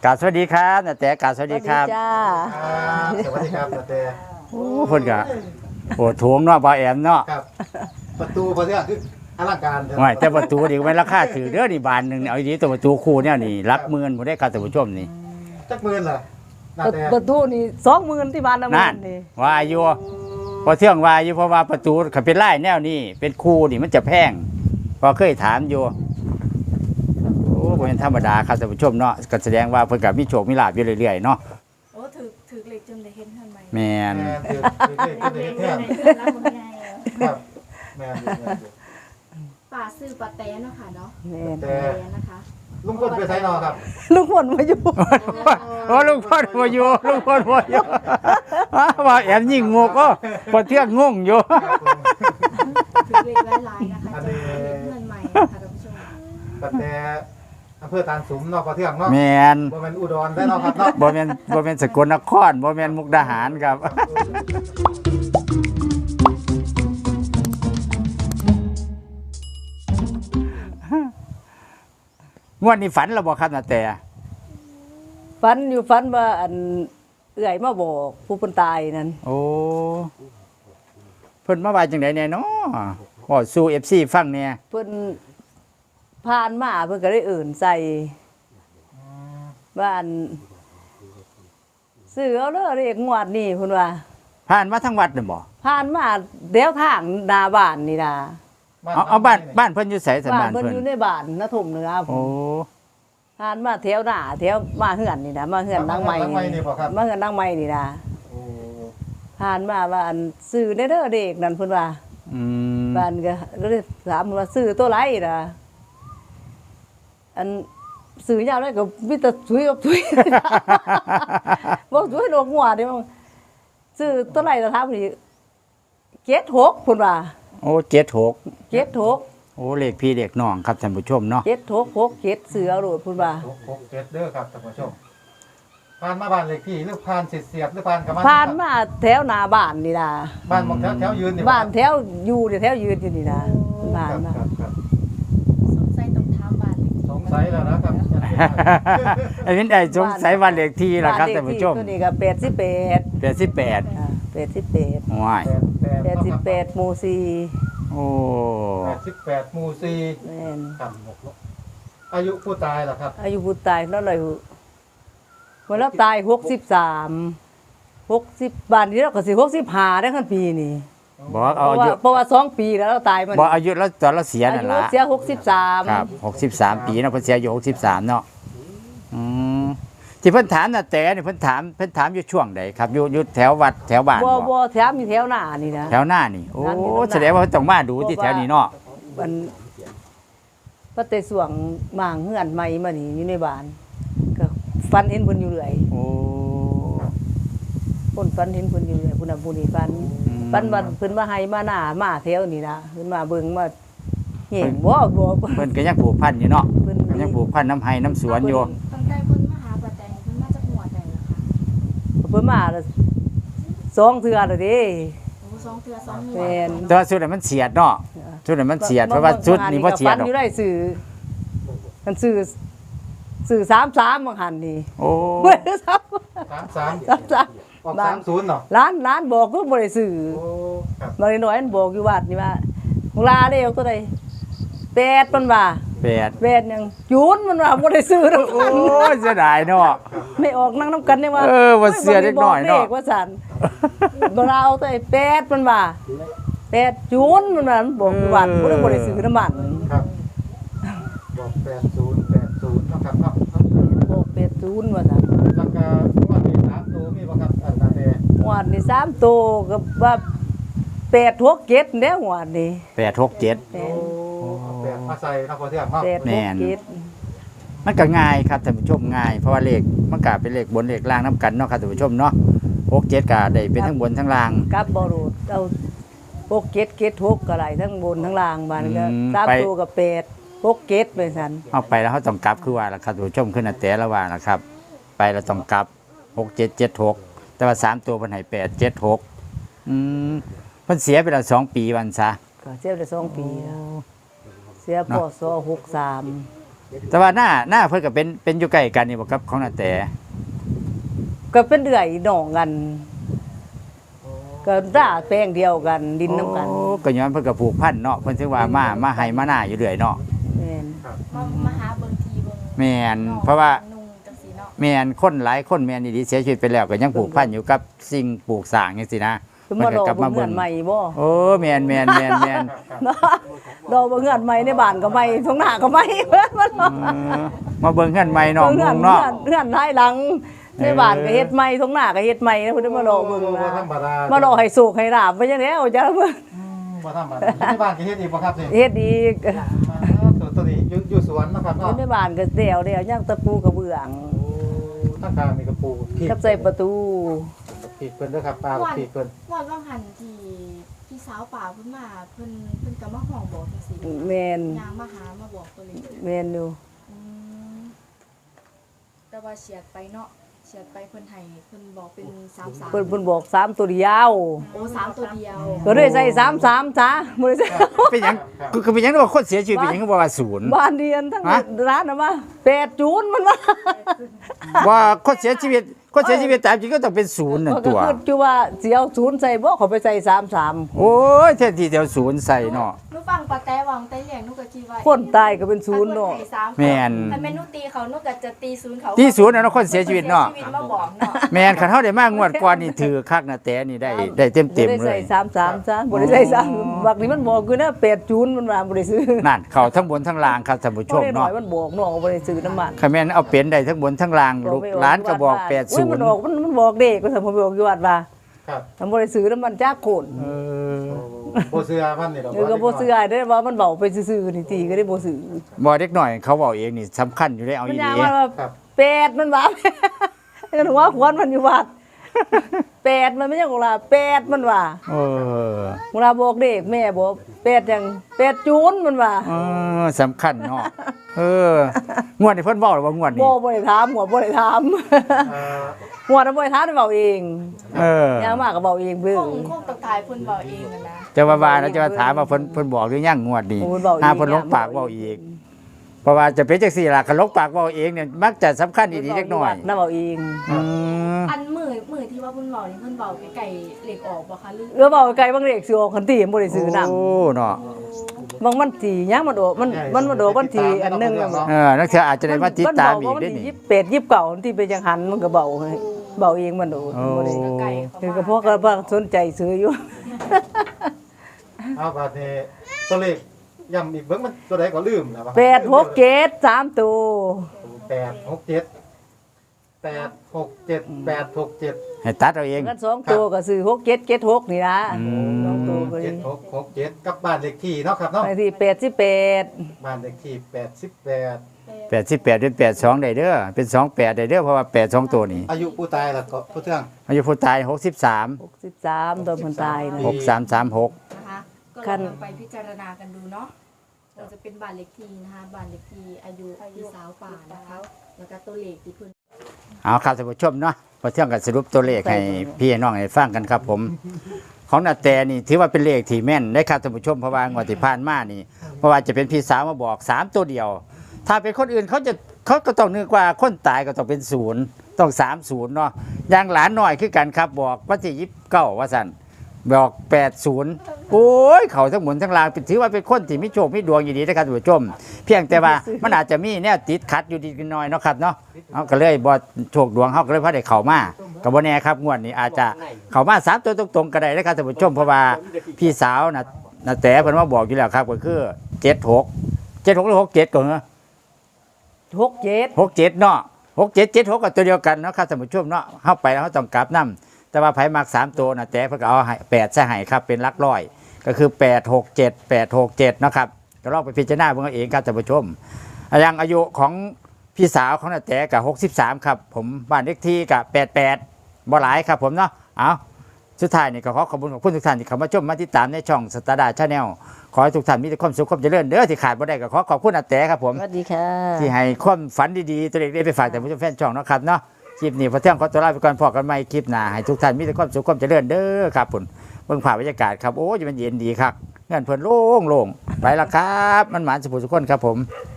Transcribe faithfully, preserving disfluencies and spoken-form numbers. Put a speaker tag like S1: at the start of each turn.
S1: กราบสวัสดีครับนาแต่กราบสวัสดีครับ
S2: จ้า
S3: สวัสดีครับนาแต่
S1: โอ้เพิ่นก็โอ้โถงเนาะบ่าวแอมเนาะ
S3: ครับประตูพอเที่ยงคืออลังการ
S1: ไม่แต่ประตูนี่ก็ไม่ราคาถือเด้อนี่บานหนึงเอาดีตัวประตูคู่เนี่ยนี่หลักหมื่นบ่ได้ครับท่านผู้ชมนี่
S3: จักหมื่นเหรอนาแต่
S2: ประตูนี่สองหมื่นที่บ้านน้ำมั
S1: นั่น
S2: นนี่
S1: ว่าอยู่พอเที่ยงว่าอยู่เพราะว่าประตูเขาเป็นลายแนวนี้เป็นคู่นี่มันจะแพงพอเคยถามอยู่โอ้บ่เป็นธรรมดาครับท่านผู้ชมเนาะก็แสดงว่าเพิ่นก็มีโชคมีลาภอยู่เรื่อยๆเนาะ
S4: โอ้ถือถือเหล็กจนได้เห็นทันไหม
S1: แม่น
S3: แม่คือคือคือคือแท้ครับแม่อยู่แม่อยู่
S4: ป่าซื้อปลาแต้เนาะค่ะเนาะ
S2: แม่น
S3: แต่
S4: แต้นะคะ
S3: ลุงพลไปไสนอครับ
S2: ลุงพลมาอยู่
S1: โอ้ลุงพ่อบ่อยู่ลุงพ่อบ่อยู่ว่าแอมยิ่งงกก็พอเที่ยงงงอยู่
S3: ครับผม
S4: ถือเหล็กหลายๆนะคะจะได้เห็นเงินใหม่นะคะท่านผู้ชม
S3: นาแต่อำเภอตาลสุมเนาะพอเที่ยงเนาะ
S1: แม่น
S3: บ่แม่นอุดรได้เนาะครับเนาะ
S1: บ่แม่นบ่แม่นสกลนครบ่แม่นมุกดาหารครับงวดนี้ฝันแล้วบ่ครับนาแต่
S2: ฝันอยู่ฝันว่าอันเอื่อยมาบอกผู้คนตายนั่น
S1: โอ้เพิ่นมาว่าจังไดแน่เนาะบ่สู้ เอฟ ซี ฟังแน่
S2: เพิ่นผ่านมาเพิ่นก็ได้เอื่นใส่บ้านซื้อเอาเด้อเรียกงวดนี่เพิ่นว่า
S1: ผ่านมาทั้งวัดน่ะบ่
S2: ผ่านมาเดี๋ยวทางหน้าบ้านนี่นะ
S1: เอาเอาบ้านบ้านเพิ่นอยู่ไสสัน
S2: บ้าน
S1: บ้าน
S2: เพิ่น
S1: เพิ่น
S2: อยู่ในบ้านนะถมเหนือผ
S1: โอ้
S2: มผ่านมาแถวหน้าแถวมาเฮือนนี่นะมาเฮือนนางใหม่
S3: หลังไม้นี่บ่ครับ
S2: มาเฮือนนางใหม่นี่นะ
S3: โอ้
S2: ผ่านมาว่าอันซื้อได้เด้อเด็กนั่นเพิ่นว่า
S1: อืม
S2: บ้านก็ก็เลยถามว่าซื้อตัวไรล่ะอันซื้อยาวได้ก็มีแต่ถุยกับถุย บ่ถุยโลกหัวเด้มั้งซื้อตัวไรล่ะถามนี่เจ็ดหกเพิ่นว่า
S1: โอ้เจ็ดหก
S2: เจ็ดหก
S1: โอ้เลขพี่เลขน้องครับท่านผู้ชมเนาะ
S2: เจ็ดหกหกเจ็ดซื้อเอาโลดเพิ่นว่า
S3: หกหกเจ็ดเด้อครับท่านผู้ชมผ่านมาบ้านเลขที่หรือผ่านเสียบหรือผ่านกับมัน
S2: ผ่านมาแถวหน้าบ้านนี่นะ
S3: บ้านหมองแถวแถวยืนนี่
S2: บ้านแถวอยู่เนี่ยแถวยืนอยู่นี่นะบ้าน
S3: ครับ
S2: มา
S3: ครับครับ
S4: สงสัยต้องถามบ้านเหล็ก
S3: สงสัยแล้วนะครับ
S1: ไอ้วินไอ้สงสัยวันเลขที่ล่ะครับท่านผู้ชม
S2: ตัวนี้ก็แปดสิบแปด
S1: แปดสิบแปด
S2: อ่าแปดสิบแปด
S1: ว้าย
S3: แปด
S2: แปดสิบแปดหมู่สี่
S1: โอ้
S3: แปดสิบแปดหมู่สี่
S2: แม่น
S3: ครับอายุผู้ตายเหรอครับ
S2: อายุผู้ตายเท่าไหร่เมื่อเราตายหกสิบสามหกสิบบานนี้เราก็สิหกสิบห้าได้ขั้นปีนี่
S1: บอก
S2: เพ
S1: เอา
S2: ราะ
S1: อา
S2: ว่า
S1: ยุ
S2: เพราะว่าสองปีแล้วเราตายมัน
S1: บอกอายุแล้วตอนเราเสีย
S2: อา
S1: นั่น
S2: ยุ
S1: ล่ะ
S2: เสียหกสิบสาม
S1: ครับหกสิบสามปีเนาะเพิ่นเสียอายุหกสิบสามเนาะอืมที่เพิ่นถามน่ะแต่นี่เพิ่นถามเพิ่นถามอยู่ช่วงใดครับอยู่อยู่แถววัดแถวบ้าน
S2: บ่
S1: บ่
S2: บ่แถมอยู่แถวหน้านี่นะ
S1: แถวหน้านี่โอ้
S2: ถามอยู่แถวหน้า
S1: แสดงว่าเพิ่นต้องมาดูที่แถวนี้เนาะ
S2: มันพระเตสวงหมางเฮือนใหม่มานี่อยู่ในบ้านก็ฟันเห็นเพิ่นอยู่เรื่อย
S1: โอ้
S2: คนฟันเห็นเพิ่นอยู่เรื่อยพุ่นน่ะผู้นี้ฟัน
S1: อืม
S2: ฟันว่าเพิ่นมาให้มาหน้ามาแถวนี่นะเพิ่นมาเบิ่งมาเห็นบ่บ่
S1: เพิ่นก็ยังผูกพันอยู่เนาะ
S2: เพิ่น
S1: ยังผูกพันน้ำไห้น้ำสวนอยู่
S4: ตั้งใจคนมาหาปลาแต้เพิ่นมาจากหัวใดเหรอคะ
S2: เพิ่นมาแล้วสองเทื่อแล้วเด้
S4: โอ้สองเทือสองหัว
S2: แม่น
S1: แต่ว่าสุดนั้นมันเสียดเนาะสุดนั้นมันเสียดเพราะว่าสุดนี้บ่เสียด
S2: ฟัน
S1: หรอก
S2: อยู่ได้สื่อมันสื่อสื่อสามสามบางหันนี่
S1: โอ้
S2: เบิ่งซับ
S3: สามสาม
S2: สามสาม
S3: ออกสามศูนย์เนาะ
S2: ร้านร้านบอกก็บ่ได้สื่อ
S3: โอ้ครับ
S2: บางน้อยมันบอกอยู่วัดนี่ว่ามึงลาเด้เอาตัวใดแปดมันว่า
S1: แปด
S2: แปดหยังจูนมันว่าบ่ได้ซื้อนํ
S1: โอ้ยเสียดายเนาะ
S2: ไม่ออกนั่งน้ำกันเนี่ยว่า
S1: เออว่าเสียเล็กน้อยเนาะ
S2: บกว่าสันบเราเอาตัวไอ้แปดมันว่าแปดจูนมันว่ามันบอกอยู่วัดบ่ได้บ่ได้ซื้อน้ำมัน
S3: ครับบอกแปดศูนย์แปดศูนย์เนาะครับเนาะ
S2: บอกแปดจูนว่าซั่น
S3: แล้วก็ว่ามีสามตัวมีบ่ครับอันนั้นเอง
S2: หวดนี่สามโตวก็ว่าแปดหกเจ็ดเด้หวดนี่
S1: แปดหกเจ็ด
S2: แป
S3: โอ้
S2: ด
S3: เอาแปดมาใส่นะพอเที่ยงเนาะ
S2: แปด
S1: แม่
S2: หก
S1: น
S2: เจ็ด
S1: มันก็ง่ายครับท่านผู้ชมง่ายเพราะว่าเลขมันก็เป็นเลขบนเลขล่างน้ำกันเนาะครับท่านผู้ชมเนาะหกเจ็ดก็ได้เป็นทั้งบนทั้งล่าง
S2: กลับบ่รูดเอาหกเจ็ดเจ็ดหกก็ได้ทั้งบนทั้งล่างบานก็
S1: อืม
S2: สาม
S1: ไป
S2: ตัวก็แปดหกเจ็ดไปซั่น
S1: เอาไปแล้วเขาต้องกลับคือว่าล่ะครับท่านผู้ชมขึ้นอันแต่ละว่าล่ะครับ ไปแล้วต้องกลับหกเจ็ดเจ็ดหกแต่ว่าสามตัวเพิ่นให้แปดเจ็ดหกอืมเพิ่นเสียไปแล้วสองปีวันซะ
S2: ก็เสียได้สองปีแล้วเสียพศหกสาม
S1: โแต่ว่าหน้าหน้าเพิ่นก็เป็นเป็นอยู่ใกล้กันนี่บ่ครับของนาแต่
S2: ก็เป็นเดือยน้องกัน ก็ด่าแป้งเดียวกันดินน้ำกัน
S1: โอ้ก็ย้อนเพิ่นก็ผูกพันเนาะเพิ่นถึงว่ามามาให้มาหน้าอยู่เรื่อยเนาะ
S2: แม่น
S4: มามาหาเบิ่งทีเบิ่ง
S1: แม่น
S4: น้อง
S1: เพราะว่า
S4: นุ่งจังซี่เนาะ
S1: แม่นคนหลายคนแม่นดีๆเสียชีวิตไปแล้วก็ยังผูกพันอยู่กับสิ่งปลูกสร้างจังซี่นะ
S2: คือมา
S1: มัน
S2: ร
S1: ก็
S2: อก
S1: ลับมา
S2: เบิ่ง
S1: เบิ่
S2: เงิ
S1: ง
S2: นใหม่บ่
S1: โอ้แม่นแม่นแม่นแม่น
S2: รอเบิ่งเงินใหม่ในบ้านก็ใหม่ท้องหน้าก็ใหม่เพิ่นมัน
S1: เออมาเบิ่งเฮือนใหม่เนาะ
S2: เงิ
S1: มุ
S2: น
S1: งเนาะ
S2: เงินท้ายหลังในบ้านก็เฮ็ดใหม่ท้องหน้าก็เฮ็ดใหม่นะเพิ่นมารอเบิ่ง
S3: บ่
S2: นะ
S3: ธรรมดาม
S2: มารอให้สุกให้ลาบไปจังได๋เอาจ้ะเบิ่ง
S3: อืมบ่ธรรมดาที่บ้านก็เฮ็ดอีกบ่ครับนี่
S2: เฮ็ดอีก
S3: ตัวตัวนี้อยู่อยู่สวนนะครับ
S2: อยู่
S3: เนาะ
S2: ในบ้านก็เดี่ยวเดี่ยวย่างตะปูกระเบื้อง
S3: โอ้ตั้งกลางมีกระปูขีด
S2: กับใส่ประตู
S3: ขีดเพิ่นเด้อครับปลาขีดเพิ่น
S4: วันว่างหันที่พี่สาวป่าเพิ่นมาเพิ่นเพิ่นก็มาห้องบอกจังซี่
S2: แม่น
S4: ยางมาหามาบอกตัวเลย
S2: แม่นอยู่
S4: อืมแต่ว่าเฉียดไปเนาะเฉียดไปเพิ่นให้เพิ่นบอกเป็นสามสาม
S2: เพิ่นเพิ่นบอกสามตัวเดียว
S4: โอ้สามตัวเดียว
S2: ก็เลยใส่สามสามจ้าบ่ได้ใส่
S1: เป็นหยังคือคือเป็นหยังว่าคนเสียชีวิตเป็นหยังคือบ่ว่าศูนย์
S2: บ้านเดียนทั้ง
S1: ฮะ
S2: ร้านน่ะมาแปดจูนมันว่า
S1: ว่าคนเสียชีวิตคนเสียชีวิตตามจริงก็ต้องเป็นศูนย์นั่น
S2: ก็
S1: ตัว
S2: คือจุว่าสิเอาศูนย์ใส่บ่เขาไปใส่สามสาม
S1: โอ้ยแท้ที่เดียวศูนย์ใส่เนาะ
S4: หนูฟังปาแต้วางแต่เลี้ยงหนูก็คิดว่า
S2: คนตายก็เป็นศูนย์เนาะ
S1: แม่น
S4: ถ้าแม่นหนูตีเขาหนูก็จะตีศูนย์เขา
S1: ตีศูนย์น่ะเนาะคนเสียชีวิตเนาะ
S4: ชีวิตมาบอกเนาะ
S1: แม่นคันเฮาได้มางวดก่อนนี่ถือคักนะแต่นี่ได้ได้เต็ม
S2: บ่
S1: เต็ม
S2: ได้
S1: เล
S2: ใส่
S1: ย
S2: สามสามจ้าบ่ได้ใส่สามบักนี้มันบอกคือนะแปดจูนมันว่าบ่ได้ซื้อ
S1: นั่นเข้าทั้งบนทั้งล่างครับท่านผู้ช
S2: บ่
S1: ม
S2: ได้หน่อ
S1: เนาะ
S2: ยมันบอกน้องบ่ได้ซื้อน้ำมัน
S1: คันแม่นเอาเป็นได้ทั้งบนทั้งล่างลูกหลานก็บอกแปด
S2: โอ้
S1: ศู
S2: ย
S1: น
S2: มัน
S1: ย์
S2: บอกมันมันบอกเด็กก็สมผมบอกอยู่วัดว่า
S3: ครับ
S2: มันบ่ได้ซื้อน้ำมันจากโคน
S1: เออ
S3: โอ้บ่เสื้อมันนี่ดอก
S2: เดี๋ยวก็บ่ซื้อได้ว่ามันเบาไปซื่อๆนี่ตีก็ได้บ่ซื้อ
S1: บ่เด็กหน่อยเขาบอกเองนี่สำคัญอยู่ได้เอา
S2: มัน
S1: อี
S2: ยา
S1: หลี
S2: ว่า
S3: ครับ
S2: เป็ดมันว่า เห็นหัวขวานมันอยู่วัดเป็ดมันไม่ใช่ของเราเป็ดมันว่า
S1: เออ
S2: เวลาบอกเด็กแม่บอกเป็ดจังเป็ดจูนมันว่า
S1: เออสำคัญเนาะเอองวดนี้เพิ่นบอกหรือว่างวดนี้
S2: บ่บ่ได้ถามหัวบ่ได้ถาม
S3: เอ่อ
S2: หัวน่ะบ่ได้ถามได้เว้าเอง
S1: เออย
S2: างมากก็เว้าเองเบิ่
S4: ค
S2: ง
S4: งคงตะกายเพิ่นบอกเองอะนะ
S1: จะว่าว่าแล้วจะว่าถามว่าเพิ่นเพิ่นบอกหรือยังงวดนี้
S2: โอ้ยเว้าเอง
S1: หาเพิ่นลงปากเว้าอีก เพราะว่าจะเป็นจังซี่ล่ะคันลงปากเว้าเองเนี่ยมักจะสำคัญอีหลีเล็กน้อย
S2: น่าเว้าเอง
S1: อืม
S4: อันมือมือที่ว่าเพิ่นบอกนี่เพิ่นบอกไก่เหล็กออกบ่คะหรือ
S2: เออเว้าไกลบางเด็กสิออกคันตีบ่ได้ซื้อนำ
S1: โอ้เนาะ
S2: บางมันทียังมันโดมันมันมาโดมันทีอันหนึง
S1: เออนักเที่ยวอาจจะได้มาติดตามอีกได้
S2: มัน
S1: นี่
S2: ยี่สิบแปดยี่สิบเก้าที่เป็นจังหันมันก็เบาให้เบาเองมันโด
S1: โอ้
S2: บ่ได้
S4: ไก่
S2: คือก็พวกก็พวกสนใจซื้ออยู่
S3: เอาบัดนี้ตัวเลขย้ำอีกเบิ่งมันตัวใดก็ลืมแล้ว
S2: แปดหกเจ็ดสามตัว
S3: แปดหกเจ็ดแปดหกเจ็ดแปดหกเจ็ด
S1: ให้ตัดเอาเอง
S2: กันสองตัวก็ซื้อหกเจ็ดเจ็ดหกนี่นะ
S1: อืม
S2: สองตัวก็
S3: เจ็
S2: ดี
S3: ดหกหกเจ็ดกับบ้านเลขที่เนาะครับเนาะ
S2: บางทีแปดสิบแปด
S3: บ้านเลขที่แปดสิบแปด
S1: แปดสิบแปดเป็นแปดสองได้เด้อเป็นสองแปดได้เด้อเพราะว่าแปดสองตัวนี่
S3: อายุผู้ตายล่ะก็ผู้เทื่อง
S1: อายุผู้ตายหกสิบสาม
S2: หกสิบสามตัวมันตายนะ
S1: หกสามสามหก
S4: นะคะก็
S2: คั
S4: ลอน งไปพิจารณากันดูเนาะเราจะเป็นบ้านเล็กทีนะคะบ้านเล็กทีอายุพี่สาวป่านะคะแล้วก็ตัวเลขที่เพิ่น
S1: เอาครับท่านผู้ชมเนาะพอเที่ยงกันสรุปตัวเลขให้พี่น้องให้ฟังกันครับผม ของนาแต่นี่ถือว่าเป็นเลขที่แม่นได้ครับท่านผู้ชมเพราะว่างวดที่ผ่านมานี่เพราะว่าจะเป็นพี่สาวมาบอกสามตัวเดียว ถ้าเป็นคนอื่นเขาจะเขาก็ต้องนึกว่าคนตายก็ต้องเป็นศูนย์ต้องสามศูนย์เนาะอย่างหลานหน่อยคือกันครับบอกวันที่ยิบเก้าว่าสันบอกแปดศูนย์โอ้ยเขาทั้งหมดทั้งลางถือว่าเป็นคนที่มีโชคมีดวงอยู่ดีนะครับท่านผู้ชม เพียงแต่ว่ามันอาจจะมีแนวติดขัดอยู่ดีกันหน่อยเนาะครับเนาะเอาก็เลยบอโชคดวงเขาก็เลยพอได้เข้ามากับบ่แน่ครับงวดนี้อาจจะเข้ามาสามตัวตรงๆก็ได้นะครับท่านผู้ชมเพราะว่าพี่สาวนะนะแต่เพิ่นมาบอกอยู่แล้วครับก็คือเจ็ดหกเจ็ดหกหรือหกเจ็ดก่อนเนาะ
S2: หกเจ็ด
S1: หกเจ็ดเนาะหกเจ็ดเจ็ดหกก็ตัวเดียวกันเนาะครับท่านผู้ชมเนาะเข้าไปแล้วเขาต้องกลับนํแต่ว่าไผมักสามตัวนะแต่เพิ่นก็เอาให้แปดใส่ให้ครับเป็นหลักร้อยก็คือแปดหกเจ็ดแปดหกเจ็ดเนาะครับก็ลองไปพิจารณาเบิ่งเอาเองครับท่านผู้ชมอย่างอายุของพี่สาวของนาแต่กับหกสิบสามครับผมบ้านเลขที่กับแปดแปดบ่หลายครับผมเนาะเอาสุดท้ายนี่ก็ขอขอบคุณขอบคุณทุกท่านที่เข้ามาชมมาติดตามในช่องสตาร์ดาชาแนลขอให้ทุกท่านมีแต่ความสุขความเจริญเด้อที่ขาดบ่ได้ก็ขอขอบคุณนาแต่ครับผม
S2: สวัสดีค่ะ
S1: ที่ให้ความฝันดีๆตัวเล็กได้ไปฝากแต่ผู้ชมแฟนช่องเนาะครับเนาะคลิปนี้พอเที่ยงขอตัวลาไปก่อนพอกันใหม่คลิปหน้าให้ทุกท่านมีแต่ความสุขความเจริญเด้อครับผมเบิ่งภาพบรรยากาศครับโอ้ยมันเย็นดีครับเงินเพิ่นโล่งๆไปละครับมันหมานสุขสุขคนครับผม